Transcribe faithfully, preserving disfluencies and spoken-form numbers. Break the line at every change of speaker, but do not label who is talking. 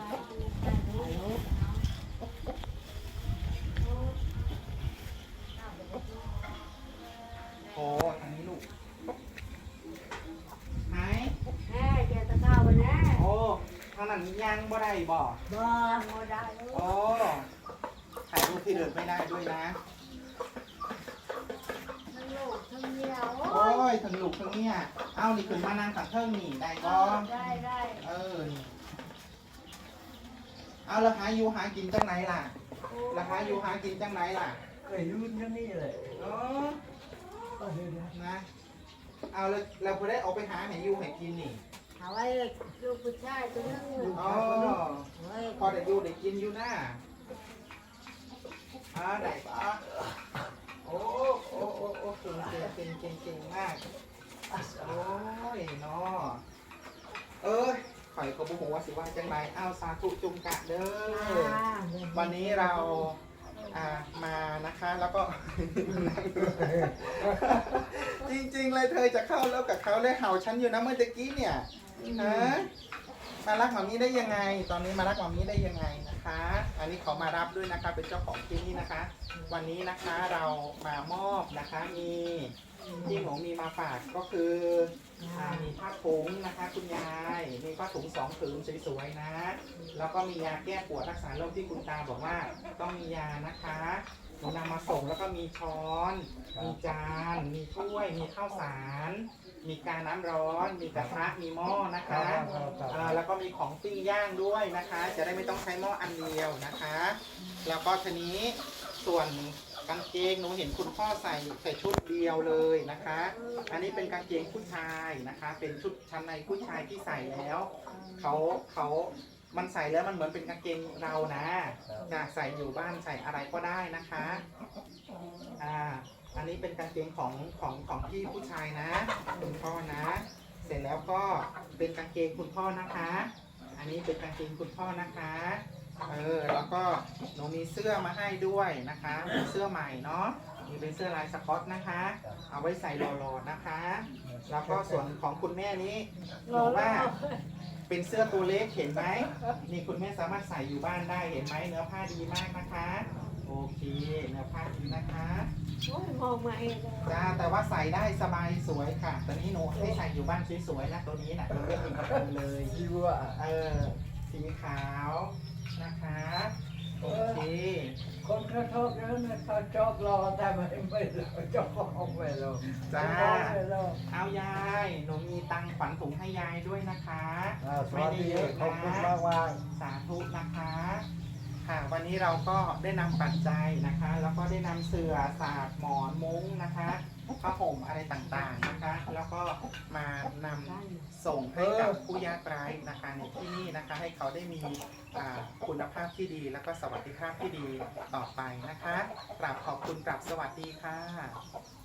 โอ้ทางนี้ลูกหาย
แม่เจ้าตะก้าววันนี้
โอ้ทางนั้นยังบ่ได้บ่
บ่บ่ได้ลูก
โอ้ถ่ายรูปที่เดินไม่ได้ด้วยนะ
ทั้งลูกทั้งเมียโอ้
โอ้
ย
ยทั้งลูกทั้งเนี่ยเอานี่ขึ้นมานั่งขังเทิงนี่ได้บ่
ได้ได้
เออนี่เอาแล้วหาอยู่หากินจังไหนล่ะแล้วหาอยู่หากินจังไหนล่ะ
เคยรุ่นนั่นนี่เลย
เออ
ก็เห็นนะ
นะเอาแล้วเราพอได้ออกไปหาให้อยู่ให้กินนี่
เอาไว้ลูกผู้ชายตัวนึง
อ๋อ
เฮ้ย
พอได้อยู่ได้กินอยู่นะอ่าได้ปะโอ้โอ้โอ้โอ้เก่งเก่งเก่งเก่งเก่งมากโอ้ยเนาะเอ้ยข่อยก็บุหัวาสิว่าจังไรเอาสาธุจุงกะเด้อวันนี้เราอ่ามานะคะแล้วก็ จริงๆเลยเธอจะเข้าแล้วกับเขาเลยเห่าฉันอยู่นะเมื่อตะกี้เนี่ยฮะมารักหมามีได้ยังไง ตอนนี้มารักหมามีได้ยังไงนะคะ อันนี้ขอมารับด้วยนะคะเป็นเจ้าของที่นี่นะคะ วันนี้นะคะเรามามอบนะคะมีที่หนูมีมาฝากก็คืออ่ามีผ้าถุงนะคะคุณยายมีผ้าถุงสองผืนสวยๆนะ แล้วก็มียาแก้ปวดรักษาโรคที่คุณตาบอกว่าต้องมียานะคะหนูนำมาส่งแล้วก็มีช้อน มีจาน มีถ้วย มีข้าวสาร มีกาน้ำร้อน มีกระทะ มีหม้อนะคะเอ่อแล้วก็มีของปิ้งย่างด้วยนะคะ จะได้ไม่ต้องใช้หม้ออันเดียวนะคะ แล้วก็ทีนี้ส่วนกางเกงหนูเห็นคุณพ่อใส่ใส่ชุดเดียวเลยนะคะ อันนี้เป็นกางเกงผู้ชายนะคะ เป็นชุดชั้นในผู้ชายที่ใส่แล้วเขาเขามันใส่แล้วมันเหมือนเป็นกางเกงเรานะจะใส่อยู่บ้านใส่อะไรก็ได้นะคะอ่าอันนี้เป็นกางเกงของของของพี่ผู้ชายนะคุณพ่อนะ เสร็จแล้วก็เป็นกางเกงคุณพ่อนะคะ อันนี้เป็นกางเกงคุณพ่อนะคะเออแล้วก็หนูมีเสื้อมาให้ด้วยนะคะมีเสื้อใหม่เนาะมีเป็นเสื้อลายสก๊อตนะคะ เอาไว้ใส่หล่อๆนะคะ แล้วก็ส่วนของคุณแม่นี้หนูว่าเป็นเสื้อตัวเล็กเห็นไหมนี่คุณแม่สามารถใส่อยู่บ้านได้เห็นไหมเนื้อผ้าดีมากนะคะโอเคเนื้อผ้าดีนะคะ
โอ้ยมองมาเองเลย
จ้าแต่ว่าใส่ได้สบายสวยค่ะตอนนี้หนูให้ใส่อยู่บ้านสวยๆนะตัวนี้นะตัวเล็กเองกับคุณเลย
ที่ว่า
เออสีขาวนะคะโอเค
คนเขาชอบแล้วนะเขาชอบรอแต่ไม่ไม่รอชอบของไม่รอ
จ้า
ไม่รอ
เอายายหนูมีตังค์ขวัญถุงให้ยายด้วยนะคะ
อ่าสวัสดีขอบคุณมากมาก
สาธุนะคะค่ะวันนี้เราก็ได้นำปัจจัยนะคะ แล้วก็ได้นำเสื่อสาดหมอนมุ้งนะคะผ้าห่มอะไรต่างๆนะคะ แล้วก็มานำส่งให้กับผู้ยากไร้นะคะในที่นี่นะคะ ให้เขาได้มีอ่าคุณภาพที่ดี แล้วก็สวัสดิภาพที่ดีต่อไปนะคะกราบขอบคุณกราบสวัสดีค่ะ